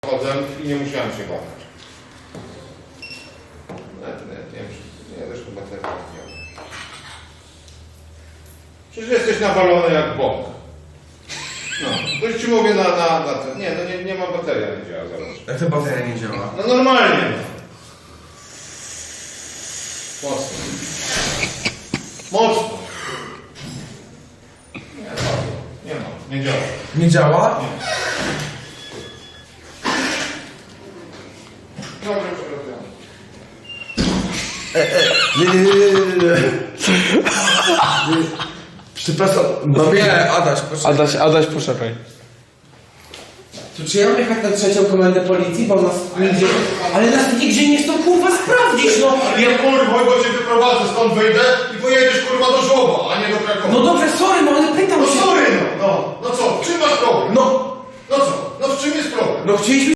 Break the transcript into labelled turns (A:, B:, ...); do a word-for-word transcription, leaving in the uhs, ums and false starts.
A: Chodzę i nie musiałem się badać. Net, net, nie wiem, czy... Nie, zresztą bateria nie działa. Przecież jesteś nawalony jak bąk. No, to już ci mówię na, na, na ten... Nie, no nie, nie ma bateria, nie działa, zobacz.
B: Jak to bateria nie działa?
A: No normalnie, no. Mocno. Mocno. Nie, bardzo. Nie ma, nie działa.
B: Nie działa?
A: Nie. Dobrze, przepraszam.
B: Nie, nie, nie, nie, nie, nie. Przepraszam. No nie, Adaś, proszę.
C: Adaś, Adaś, poczekaj.
B: To czy ja mam jechać na trzecią komendę policji, bo nas nigdzie... Ale nas nigdzie nie chcą kurwa sprawdzić, no!
A: Nie kurwa, bo cię wyprowadzę, stąd wyjdę i pojedziesz kurwa do Żłoba, a nie do Krakowa.
B: No dobrze, sorry, no ale pytam
A: No
B: się...
A: sorry, no, no, no co, w czym masz problem?
B: No,
A: No co, no w czym jest problem?
B: no chcieliśmy